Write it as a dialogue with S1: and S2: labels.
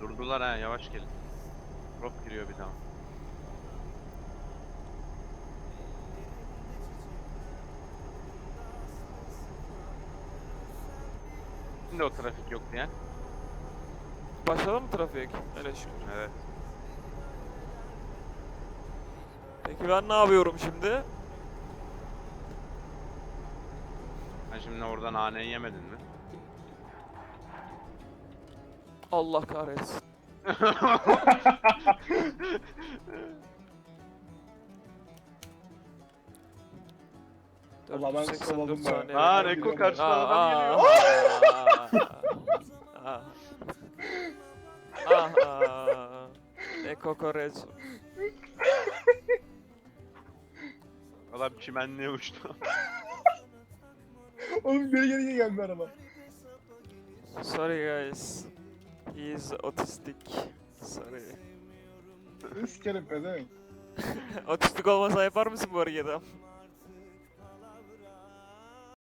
S1: Durdular ha, yavaş gelin. Drop giriyor bir daha. Şimdi o trafik yok diyen.
S2: Başladı mı trafik? Öyle şükür.
S1: Evet.
S2: Peki ben ne yapıyorum şimdi?
S1: Sen şimdi oradan naneyi yemedin mi?
S2: Allah kahretsin.
S3: Allah ben
S2: 484
S3: kovaladım
S2: saniye.
S1: Aa,
S2: bekliyorum.
S1: Reko karşıdan
S2: Aa,
S1: adam geliyor.
S2: aa. Aha. Ne kokoreç.
S1: Adam çimenliğe uçtu.
S3: Oğlum geri geldi araba.
S2: Sorry guys. He is autistic. Sorry.
S3: Sikerim pezevenk.
S2: Otistik olmasa yapar mısın bu hareketi?